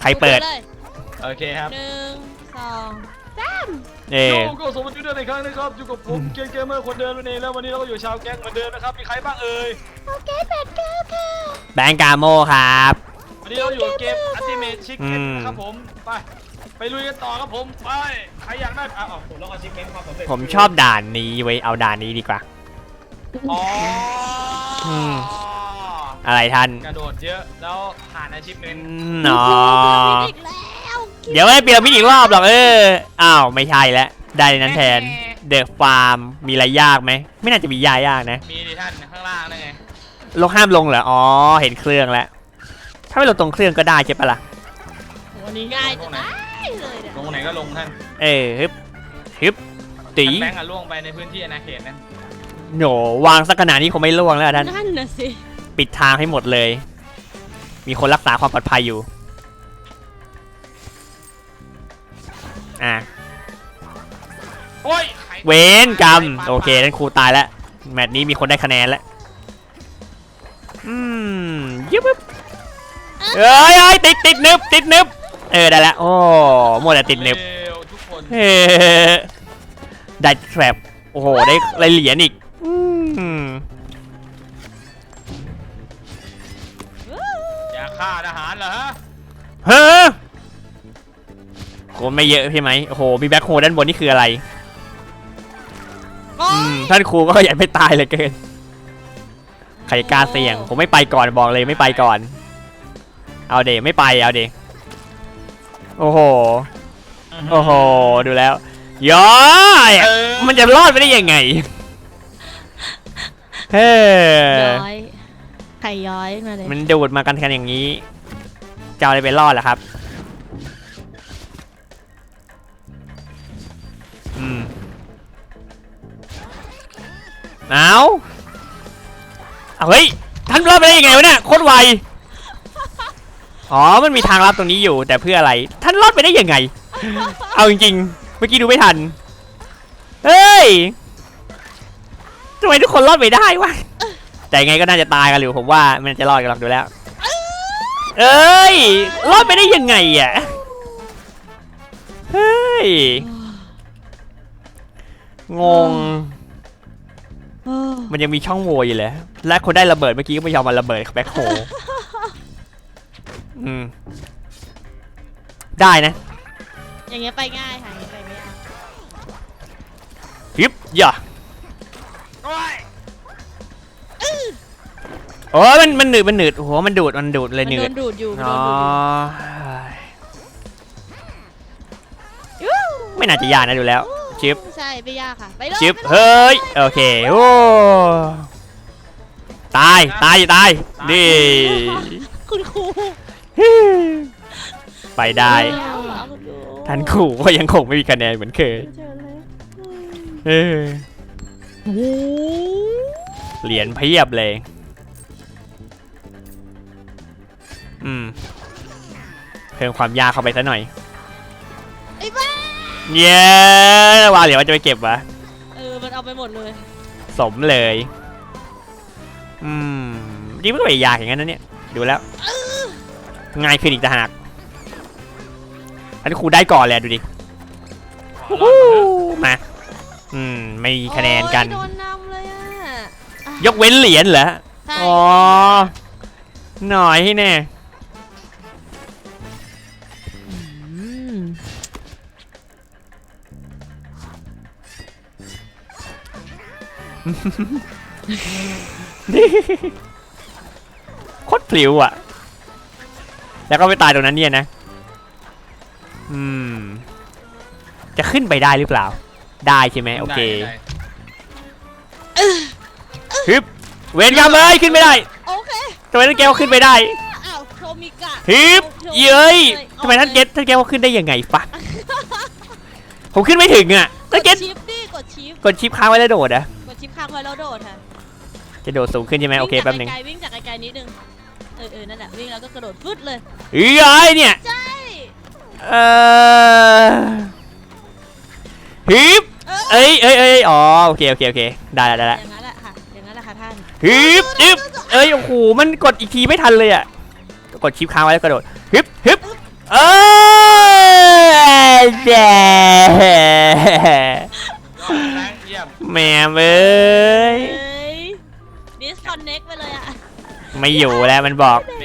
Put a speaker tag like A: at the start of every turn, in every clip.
A: รเปิด
B: โอเคครับ
C: 1 2 3
B: ก็สวัสดีด้วยในครั้งนะครับอยู่กับผมเกมเมอร์คนเดิมนั่นเองแล้ววันนี้เราก็อยู่ชาวแก๊งเหมือนเดิมนะครับมีใครบ้างเอ่ย
C: โอเค8 9ค่ะ
A: แบงก์กาโมครับ
B: วันนี้เราอยู่เกม Ultimate Chicken นะครับผมไปลุยกันต่อครับผมไปใครอยากได้ผมลองAchievementความสำเร็จ
A: ผมชอบด่านนี้ไว้เอาด่านนี้ดีกว่าอะไรท่าน
B: กระโดดเยอะแล้วผ่าน Achievement
A: เนาะเดี๋ยวไม่เปลี่ยนมินิอีกรอบหรอกอ้าวไม่ใช่แล้วได้นั้นแทนเดอะฟาร์มมีอะไรยากไหมไม่น่าจะมียากนะ
B: มีดิท่านข้างล่างนั่นไง
A: ลงห้ามลงเหรออ๋อเห็นเครื่องแล้วถ้าไม่ลงตรงเครื่องก็ได้ใช่ปะล่ะ
C: วันนี้ง่ายจังเลย
B: ลงไหนก็ลงท่าน
A: ฮึบตี
B: แบงก์ล่วงไปในพื้นที่อาณาเขตนั้น
A: โหวางสักขนาดนี้คงไม่ล่วงแล้วท่าน
C: นั่นน่ะสิ
A: ปิดทางให้หมดเลยมีคนรักษาความปลอดภัยอยู่เวนกรรมโอเคนั่นครูตายแล้วแมตช์นี้มีคนได้คะแนนแล้วยิบเอ้ยติดนึบได้แล้วโอ้หมดแต่ติดนึบได้แทรปโอ้โหได้เหรียญอีก
B: อยากฆ่าทหารเหรอ
A: ฮะคนไม่เยอะใช่ไหมโอ้โหมีแบ็คโฮด้านบนนี่คืออะไรท่านครูก็อยากไม่ตายเลยเกินใครกล้าเสี่ยงผมไม่ไปก่อนบอกเลยไม่ไปก่อนเอาเดไม่ไปเอาเดโอ้โหดูแล้วย้อยมันจะรอดไปได้ยังไง
C: ย้อยไข่ย้อยมาเลย
A: มันดูดมากันอย่างนี้จะเอาอะไรไปรอดล่ะครับเอาเฮ้ยท่านรอดไปได้ยังไงวะเนี่ยโคตรไวอ๋อมันมีทางลับตรงนี้อยู่แต่เพื่ออะไรท่านรอดไปได้ยังไงเอาจริงๆเมื่อกี้ดูไม่ทันเฮ้ยทำไมทุกคนรอดไปได้วะแต่ยังไงก็น่าจะตายกันอยู่ผมว่ามันจะรอดกันหรอกดูแล้วเอ้ยรอดไปได้ยังไงอ่ะเฮ้ยงงมันยังมีช่องโหว่อยู่เลยและคนได้ระเบิดเมื่อกี้ก็ไม่ยอมมาระเบิดแบ็คโฮได้นะ
C: อย่างเงี้ยไปง่ายค่ะอย่างเงี้ยไปไม่ยาก
A: ฮิปย่าโอ้มันหนืดโอ้โหมันดูดเลยหนืด
C: ดูดอยู่
A: ไม่น่าจะยากนะดูแล้วชิป
C: ใช่ไม่ยากค่ะไปเลย
A: ชิปเฮ้ยโอเคโอ้ตายนี่
C: คุณครู
A: ไปได้ท่านครูก็ยังคงไม่มีคะแนนเหมือนเคยเหรียญเพียบเลยเพิ่มความยากเข้าไปซะหน่อยเย้ว่าเหรียญว่าจะไปเก็บวะ
C: มันเอาไปหมดเลย
A: สมเลยนี่ไม่ได้ยากอย่างนั้นนะเนี่ยดูแล้วง่ายขึ้นอีกต่างหากอันนี้ครูได้ก่อนเลยดูดิมาไม่มีคะแนนกัน
C: โดนนำเลย
A: ยกเว้นเหรียญเหรออ๋อหน่อยแน่โคตรพลิ้วอ่ะแล้วก็ไปตายตรงนั้นเนี่ยนะจะขึ้นไปได้หรือเปล่าได้ใช่ไหมโอเคฮึบเวนกรรมเลยขึ้นไม่ได้
C: โอเค
A: ทำไมท่านแก้วขึ้นไปได้
C: โทมิกะ
A: ฮึบเย้ยทำไมท่านแก้วขึ้นได้ยังไงปะผมขึ้นไม่ถึงอ่ะ
C: กดชิปดิ
A: กดชิปค้างไว้แล้วโดดอ่ะ
C: กดชิปค้างไว้แล้วโดดค่ะ
A: จะโดดสูงขึ้นใช่ไหมโอเคแป๊บนึง
C: วิ่งจากไกลๆนิดนึงนั่นแหละวิ่งแล้วก็กระโดดฟึดเลย
A: เนี่ย
C: ใช่
A: ฮึบอ๋อโอเคได้
C: อย่างนั้นแหละค่ะท่าน
A: ฮึบโอ้โหมันกดอีกทีไม่ทันเลยอ่ะกดชิปค้างไว้แล้วกระโดดฮึบเออแย่
B: แบงค์เยี่ยม
A: แม่เอ้ย
C: เฮ้ย disconnect ไปเลยอ่ะ
A: ไม่อยู่แล้วมันบอก
B: เม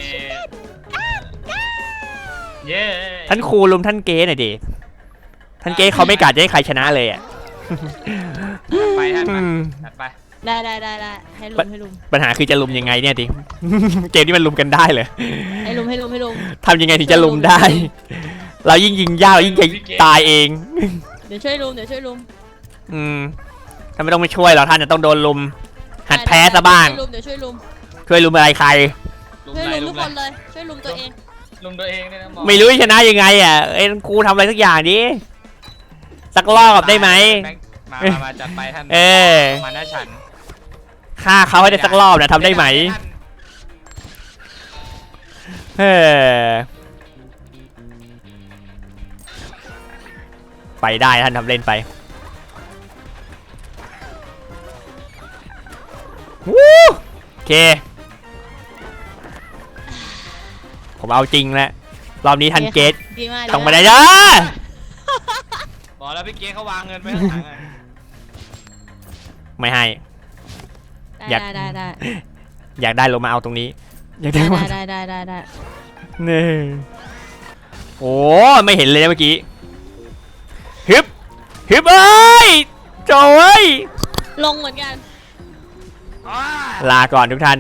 B: เย้
A: ท่านครูลุมท่านเกสหน่อยดิท่านเกสเขาไม่กล้าจะให้ใครชนะเลยอ่ะ
B: ไปท่านมาจัดไป
C: ได้ให้ลุม
A: ปัญหาคือจะลุมยังไงเนี่ยดิ เกมนี้มันลุมกันได้เลย
C: ให้ลุม
A: ทำยังไงถึงจะลุมได้ เรายิ่งยิงยากเรายิ่งจะตายเอง
C: เดี๋ยวช่วยลุม
A: ถ้าไม่ต้องมาช่วยเราท่านจะต้องโดนลุม หัดแพ้ซะบ้าง
C: เดี๋ยวช่วยลุม
A: ช่วยลุมอะไรใคร
C: ช่วยลุมทุกคนเลย ช่วยลุมตัวเอง
B: ลุมตัวเองเนี่ยนะหมอ
A: ไม่รู้จะชนะยังไงอ่ะเอ็นครูทำอะไรสักอย่างดิสักรอบได้ไหม
B: มาจัดไปท่าน
A: เออ
B: มาหน้าฉัน
A: ฆ่าเขาให้ได้สักรอบนะทำได้ไหมเออไปได้ท่านทำเล่นไปวู้โอเคผมเอาจริงแล้วรอบนี้ท่านเกต
C: ดีมาก
A: ต้องมาได้จ้า
B: บอกแล้วพี่เก๊เขาวางเงินไว้ข้างหลังอะ
A: ไม่ให้
C: ได้
A: อยากได้ลงมาเอาตรงนี้อยากได้มา
C: ได้
A: นี่โอ้ไม่เห็นเลยนะเมื่อกี้ฮึบเอ้ยโจ้ย
C: ลงเหมือนกัน
B: อ้า
A: ลาก่อนทุกท่าน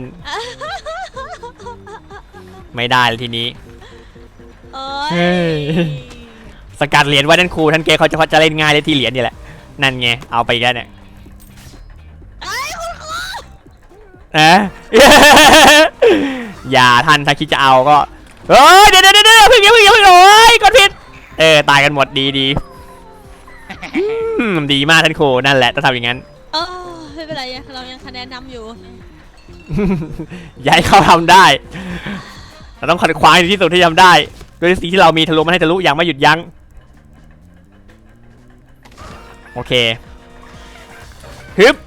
A: ไม่ได้แล้วทีนี้
C: เอ้ย
A: สกัดเหรียญไว้นั่นครูท่านเกเขาจะเล่นง่ายเลยที่เหรียญนี่แหละนั่นไงเอาไปอีกแล้วเนี่ย
C: เอ้ยคุณครู
A: อย่าท่านถ้าคิดจะเอาก็เฮ้ยเดี๋ยวเพิ่งโอ้ยกดผิดตายกันหมดดีดีมากท่านครูนั่นแหละต้องทำอย่างนั้น
C: เออไม่เป็นไรเรายังคะแนนนำอยู่
A: อย่าให้เขาทำได้เราต้องขัดขวางในที่สุดที่ทำได้ด้วยสิ่งที่เรามีทะลุมันให้ทะลุอย่างไม่หยุดยั้งโอเคฮึบ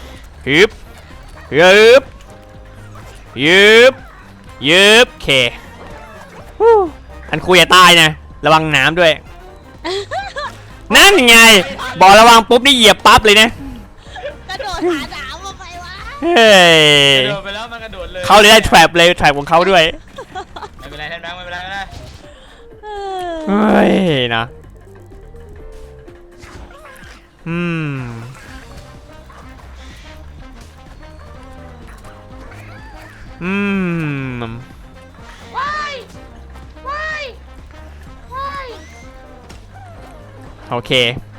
A: โอเคอันคุยอย่าตายนะระวังน้ำด้วย นั่นไงบอกระวังปุ๊บนี่เหยียบปั๊บเลยนะ
C: กระโดดหาหนาวมาไปวะ
A: เฮ้ย
B: กระโดดไปแล้วมันกระโดดเลย
A: เขาเลยได้แทร็บเลยแทร็บของเขาด้วย
B: ไม่เป็นไรท่านแบงค์ไม่เป็นไรไม่เป็นไร
A: เฮ้ยนะโอเค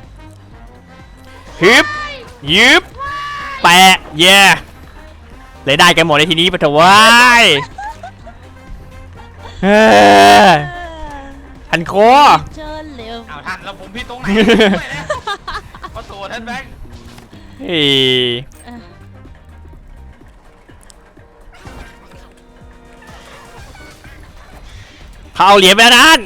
A: ฮึบแปะเย่เลยได้กันหมดในทีนี้ปะเถอะว้ายทันโค
C: เชิญเร็ว
B: เอาท่านแล้วผมพี่ตรงไหนด้วยนะขอโทษท่านแบงค์
A: เฮ้ยเขาเอาเหรียญไปแล้วนั่น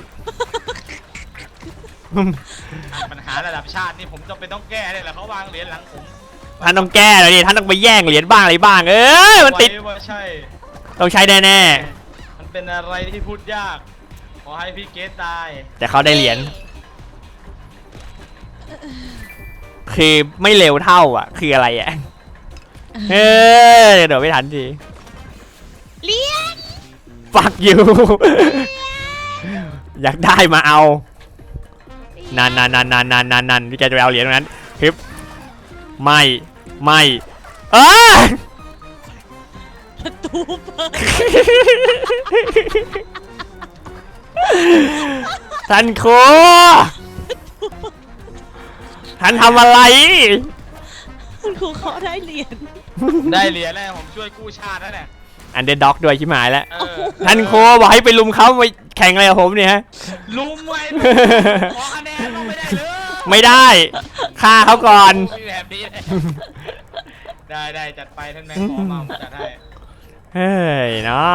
B: ปัญหาระดับชาตินี่ผมจำเป็นต้องแก้เลยแหละเขาวางเหรียญหลังผม
A: ท่านต้องแก้เลยดิท่านต้องไปแย่งเหรียญบ้างอะไรบ้างมันติด
B: ไว้ว่าใช่
A: ต้องใช้แน่
B: มันเป็นอะไรที่พูดยากขอให้พี่เกตตาย
A: ๆแต่เขาได้เหรียญคือไม่เร็วเท่าอ่ะคืออะไรอ่ะเดี๋ยวไม่ทันที
C: เลี้ยง
A: ฟักอยู่ อยากได้มาเอานั่นพี่แกจะไปเอาเหรียญตรงนั้นฮึบไม่
C: ประตูเปิด
A: ท่านครูท่านทำอะไร
C: คุณครูเขาได้เหรียญ
B: ได้เหรียญแล้วผมช่วยกู้ชาติแล้วเนี่ย
A: อันเดอร์ด็อกด้วยชิบหายแล้ว
B: เออ
A: ท่านครูบอกให้ไปลุมเขาไปแข่งอะไรกับผมเนี่ยฮะ
B: ลุมไว้ขอคะแนนต้องไม่ได้เลย
A: ไม่ได้ฆ่าเขาก่อน
B: มีแบบนี้เลยได้จัดไปท่านแม่งขอมาผมจัดให้
A: เฮ้ยนะ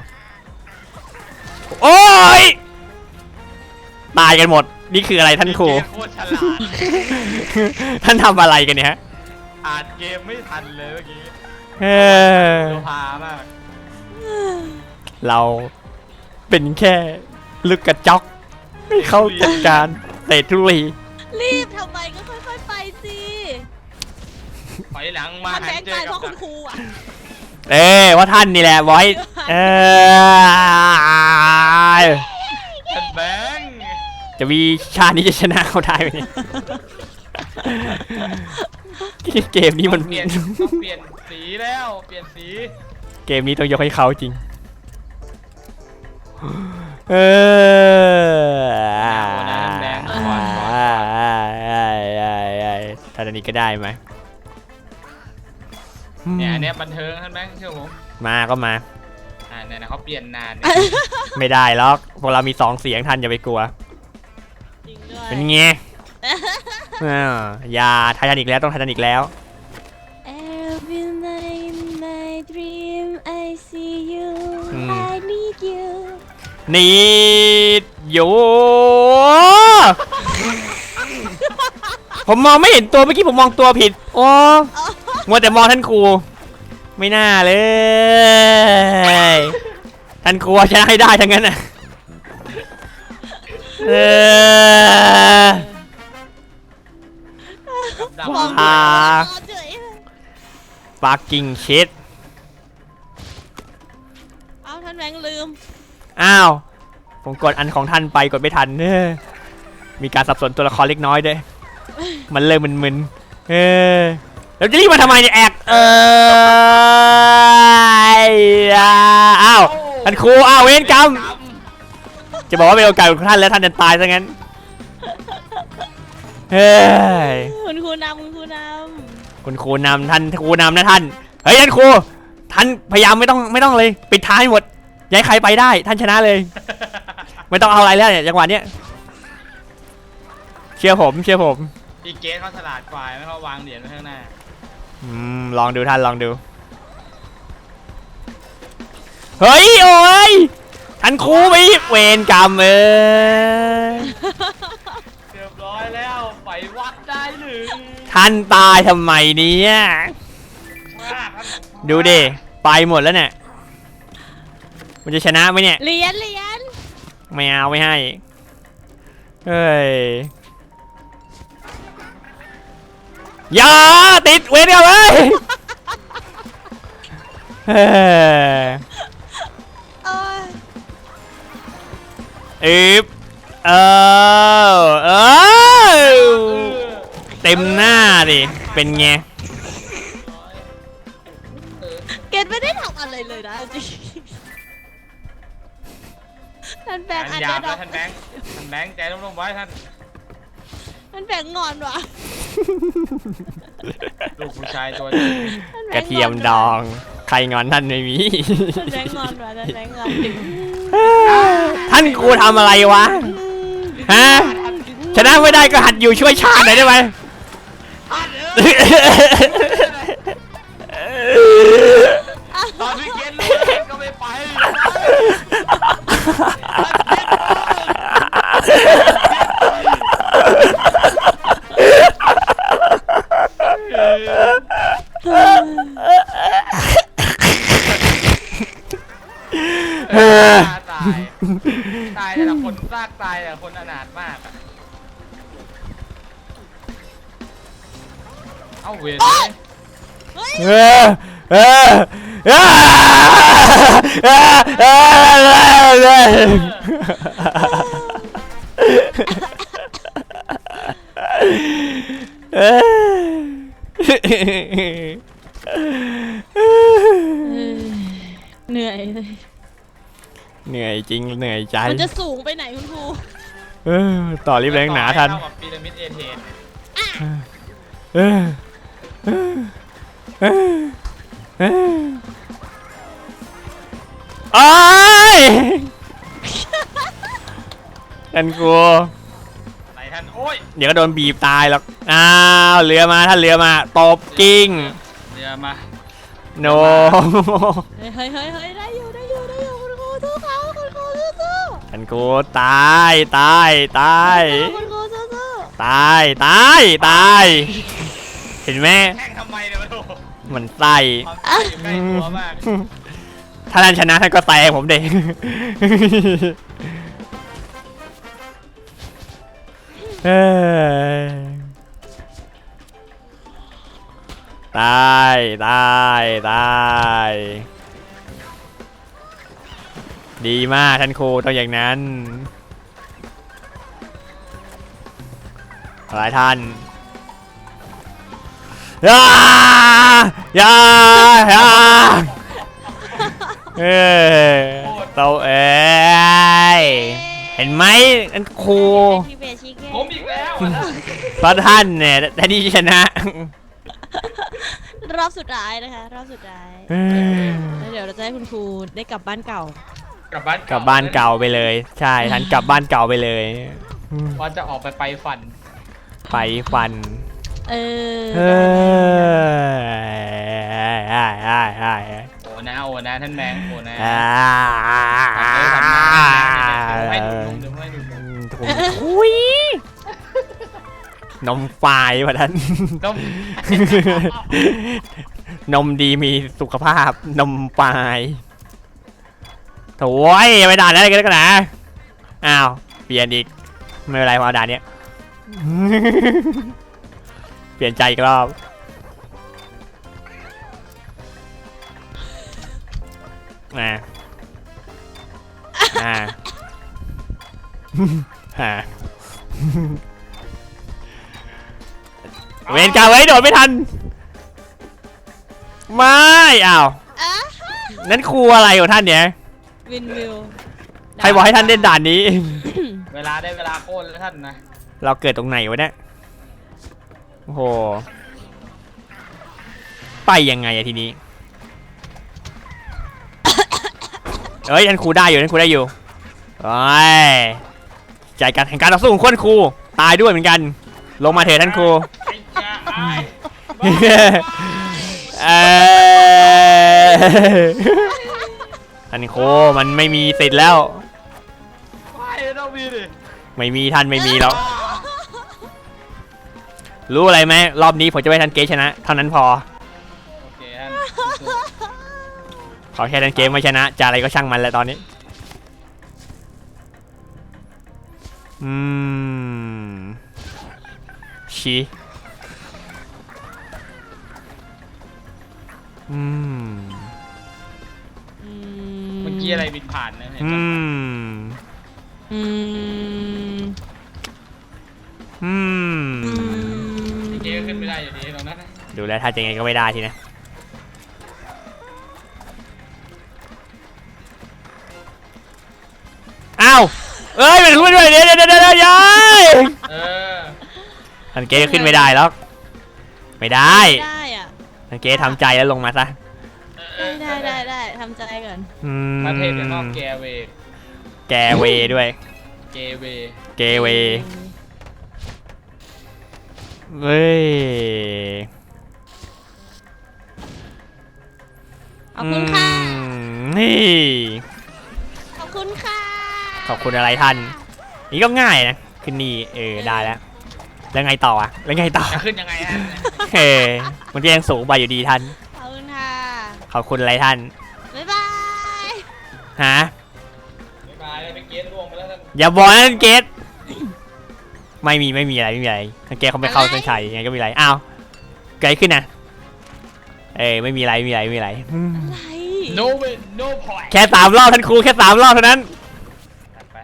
A: โอ้ยตายกันหมดนี่คืออะไรท่านครู
B: พี่เกตโคตรฉลาด
A: ท่านทำอะไรกันเนี่ยฮะ
B: อ่านเกมไม่ทันเลยเมื่อกี้
A: เออ
B: โลพามาก
A: เราเป็นแค่ลูกกระจอกให้เขาจัดการเตะทุลี
C: รีบทำไมก็ค่อยๆไปสิ
B: ถอยหลังมา
C: ท่านแบงค์
B: เจ
C: ตา
B: อย
C: เพ
B: กับ
C: ราะคุณครูอ่ะ
A: ว่าท่านนี่แหละบอย
B: ท่านแบงค์
A: จะมีชาตินี้จะชนะเขาได้ไหมเนี่ยเกมนี้มัน
B: ต้องเปลี่ยนสีแล้วเปลี่ยนสี
A: เกมนี้ต้องยกให้เขาจริงท่านอันนี้ก็ได้ไหม
B: เนี่ยอันเนี้ยบันเทิงท่านแบงค์เชื่อผม
A: มาก็มา
B: เนี่ยนะเขาเปลี่ยนนาน
A: ไม่ได้หรอกพวกเรามี2 เสียงท่านอย่าไปกลัว
C: จริงด้วย
A: เป็นไงอย่าไททานิกแล้วต้องไททานิกแล้ว
C: Every night in my dream I see you I need you
A: นี่อยู่ผมมองไม่เห็นตัวเมื่อกี้ผมมองตัวผิดโอ้มัวแต่มองท่านครูไม่น่าเลยท่านครูชนะให้ได้ทั้งนั้นน่ะ
B: ดับ
C: มอง
A: อ่า
C: เฉย
A: ปาร์กิ้งชิด
C: เอาท่านแบงค์ลืม
A: อ้าวผมกดอันของท่านไปกดไม่ทันมีการสับสนตัวละครเล็กน้อยด้วยมันเริ่มมึนๆแล้วจะรีบมาทำไมเนี่ยแอกอ้าวท่านครูอ้าวเวรกรรมจะบอกว่าเป็นโอกาสของท่านแล้วท่านจะตายซะงั้นเฮ้ย
C: คุณครูนำคุณครูน
A: คุณครูนำท่านครูนำนะท่านเฮ้ยท่านครูท่านพยายามไม่ต้องเลยปิดท้ายหมดย้ายใครไปได้ท่านชนะเลยไม่ต้องเอาอะไรแล้วเนี่ยจังหวะเนี้ยเชื่อผม
B: อีเกสเขาฉลาดกว่าไม่เขาวางเหรียญไว้ข้างหน้า
A: ลองดูท่านลองดูเฮ้ยโอ้ยท่านครูไปเวรกรรม
C: ำ
B: เรียบร้อยแล้วไปวัดได้หรือ
A: ท่านตายทำไมเนี่ยดูดิไปหมดแล้วเนี่ยมันจะชนะไหมเนี่ย
C: เหรียญ
A: ไม่เอาไม่ให้เฮ้ยอย่าติดเวรกันเลยเฮ้ย
C: เอ้ย
A: เต็มหน้าดิเป็นไง
C: เกดไม่ได้ทำอะไรเลยนะจริงท่านแบงค์อัน
B: หยา
C: เดอบ ร์ด็
B: แล้
C: อ
B: ว
C: ก
B: ท่านแบงค์ใจร่มๆไว้ท่าน
C: ท่านแบงค์งอนว่ะ
B: ลูกผู้ชายตัวจริง
C: ท่านแบ
A: กระ
C: งค์
A: เทียมดองใครงอนท่านไม่มี
C: ท่านแบงค์งอนว่ะท่านแบงค์งอน
A: ท่านครูทำอะไรวะฮะชนะไม่ได้ก็หัดอยู่ช่วยชาติหน่อยได้ไหม
B: ตอนพี่เกสรู้แล้วก็ไม่ไป ตายแต่ละคนซากตายแต่ละคนอนาถมากอะเอ้าเวรเลย
A: เออเออเออ
C: เหนื่อยเลย
A: เหนื่อยจริงเหนื่อยใจ
C: มันจะสูงไปไหนคุณครู
A: ต่อรีบแรงหนาทัน
B: เท่ากับพีระมิดเอเธน
A: โอ้ยท่านครู
B: ไหนท่านโอ้ย
A: เดี๋ยวก็โดนบีบตายหรอกอ้าวเรือมาท่านเรือมาตบกิ้ง
B: เรือมา
A: โน
C: เฮ้ยได้อยู่คุณครูสู้เขาคุณครูสู้
A: ท่านครูตาย
C: คุณครูสู้
A: ตาย เห็นไหม
B: แข่งทำไมเนี่ยมาดู
A: มันไส้
B: ความตายอยู่ใกล้ตัวมาก
A: ถ้าท่านชนะท่านก็แซงผมเด็กเอ้ยตายตายตายดีมากท่านครูต้องอย่างนั้นหลายท่านอย่าอย่าอย่าเราเห็นไหมท่านครู
C: พี่เบชิเก้
B: ผมอีกแล้ว
A: เพราะท่านเนี่ยได้ที่ชนะ
C: รอบสุดท้ายนะคะรอบสุดท้ายแล้วเดี๋ยวเราจะให้คุณครูได้กลับบ้านเก่า
B: กลับบ้าน
A: กลับบ้านเก่าไปเลยใช่ท่านกลับบ้านเก่าไปเลย
B: ว่าจะออกไปฝัน
A: ไปฟัน
C: เออ
A: เอ
B: โอ้นะท่านแมงโอ้นะ
A: อ่า
B: ให้ดูให้ดู
A: อุ้ยนมฝายว่ะท่าน
B: นม
A: นมดีมีสุขภาพนมฝายโถ่ยไม่ด่าอะไรกันนะอ้าวเปลี่ยนอีกไม่เป็นไรพอด่านเนี้ย เปลี่ยนใจอีกรอบอ่าเวรกรรมไว้โดดไม่ทันไม่อ้าวนั่นครูอะไรของท่านเนี่ย
C: วินวิว
A: ใครบอกให้ท่านเล่นด่านนี้
B: เวลาได้เวลาโค่นแล้วท่านนะ
A: เราเกิดตรงไหนวะเนี่ยโอ้โหไปยังไงอะทีนี้ เอ้ยท่านครูได้อยู่ท่านครูได้อยู่โอ้ยใจการแข่งการต่อสู้ของคนครูตายด้วยเหมือนกันลงมาเถอะท่านครู
B: ไอ้จ้าไอ้
A: ท่านครูมันไม่มีสิทธิ์แล้ว
B: ไม่ต้องมีดิ
A: ไม่มีท่านไม่มีแล้วรู้อะไรไหมรอบนี้ผมจะให้ท่านเกชนะเท่านั้นพอ
B: โอเคท่าน
A: ขอแค่ท่านเกมไม่ชนะจะอะไรก็ช่างมันแล้วตอนนี้ชี้
B: เมื่อกี้อะไรบินผ่านนะเห็นไหมพี่เก๋ก็ขึ้นไม่ได้อยู่ดีตรงนั้นนะ
A: ดูแล้วถ้าจะไงก็ไม่ได้ทีนะอ้าวเอ้ยมันรู้ด้วยเดี๋ยวย้าย ทันเกก็ขึ้นไม่ได้หรอกไม่ได้
C: ไม่ได้อ่ะ
A: ทันเกทำใจแล้วลงมาซะ
C: ได้ทำใจก่อน
B: ประเทศเป็นนอกแกเว
A: แกเวด้วย
B: เกเว
A: เกเวเว้ย
C: ขอบคุณค่ะ
A: นี่
C: ขอบคุณค่ะ
A: ขอบคุณอะไรท่านนี่ก็ง่ายนะขึ้นนี่ได้แล้วแล้วไงต่ออะแล้วไงต่อ
B: จะขึ้นยังไงฮะ
A: มันก็ยังสูงไปอยู่ดีท่าน
C: ขอบคุณค่ะ
A: ขอบคุณอะไรท่าน
C: บ๊ายบาย
A: ฮะ
B: บ๊ายบายไปเกณฑ์ล่วงไปแล้วท่าน
A: อย่าบอกนะเกตไม่มีอะไรทันเกตเขาไปเข้าเส้นชัยยังไงก็มีอะไรอ้าวเกิดขึ้นนะไม่มีอะไร
C: อะไร
B: no win no point
A: แค่3 รอบท่านครูแค่3 รอบเท่านั้น
B: ไป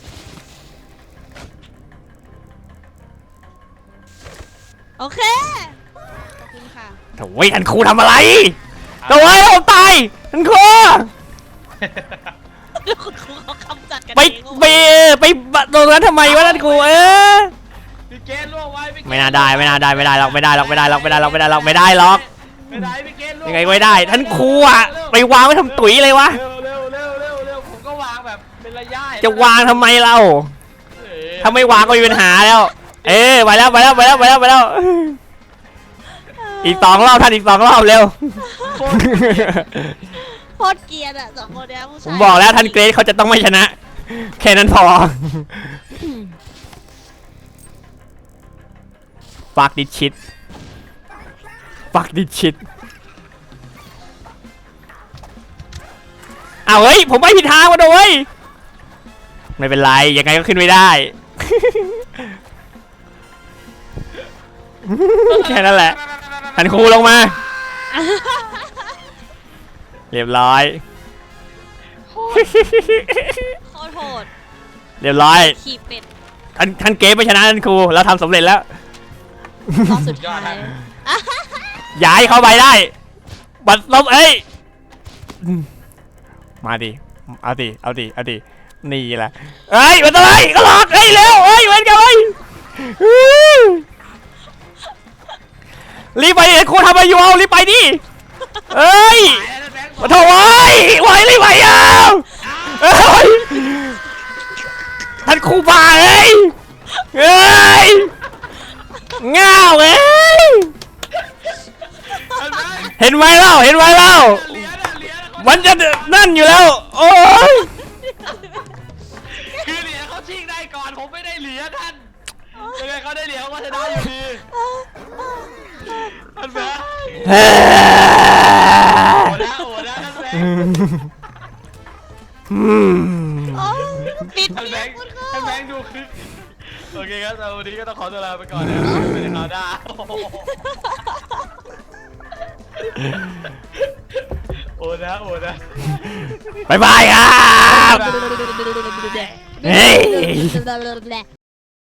C: โอเค ขอบคุณค่ะ
A: โถ่ท่านครูทำอะไรโถ่ผมตายท่านครู
C: คุณครูเขากำจัดกัน
A: ไป
C: เอง
A: ไปตรงนั้นทำไมวะท่านครู
B: พี่เกณฑ์ล่วงไว้พี่เกณฑ์
A: ไม่น่าได้หรอกไม่ได้หรอกไม่ได้หรอกไม่ได้หรอก
B: ไม่ได้พี่เกณฑ์ล่วง
A: ยังไงก็ไม่ได้ท่านครูอะไปวางไว้ทำตุ๋ยเลยวะ
B: เร็วผมก็วางแบบเป็นระยะ
A: จะวางทำไมเราถ้าไม่วางก็มีปัญหาแล้วไปแล้วอีก2 รอบท่านอีก2 รอบเร็ว
C: โคตรเกลียดอ่ะ2 คนเนี้ยผู้
A: ผ
C: ชาย
A: มบอกแล้วท่านเกรซเขาจะต้องไม่ชนะ แค่นั้นพอฟักดิชิตอ้าวเฮ้ยผมไปผิดทางมาด้วยไม่เป็นไรยังไงก็ขึ้นไม่ได้แค่นั้นแหละท่านครูลงมา เรียบร้อย
C: โคตรโหด
A: เรียบร้อย
C: ขี่เป็ด
A: ท่านเกมไม่ชนะท่านครูเราทำสำเร็จแล้ว
C: รอบสุดท้าย
A: ย้ายเข้าไปได้ บัตรลบเอ้ย มาดิ เอาดิ เอาดิ เอาดิ นี่แหละเอ้ยมันอะไรก็หลอกเอ้ยเร็วเอ้ยเว้นกันเอ้ยรีบไปครูทำอะไรอยู่เอารีบไปดิเอ้ยมาโถ่เอ้ยไหวรีบไปเอาเอ้ยท่านครูบ้าเอ้ยเอ้ยง่าวเอ้ยเห็นไหมเล่าเห็นไหมเล่า
B: เหรียญอะเหรียญอะ
A: มันจะนั่นอยู่แล้ว โอ้ย
B: คือเหรียญเขาชิงได้ก่อนผมไม่ได้เหรียญท่านยังไงเขาได้เหรียญเขาก็ชนะอยู่ดีท่านแบงค์โอ้นะท่านแบงค์
C: ปิด
B: ท่านแบ
C: เมีย
B: งค์
C: คุณ
B: ท่านแบ
C: ค่ะ
B: งค์ดูคลิปโอเคครับสำหรับวันนี้ก็ต้องขอตัวลาไปก่อนนะครับไม่ได้ข่าวหน้าโอ้นะโอ้นะ
A: บายบายครับ เฮ้ย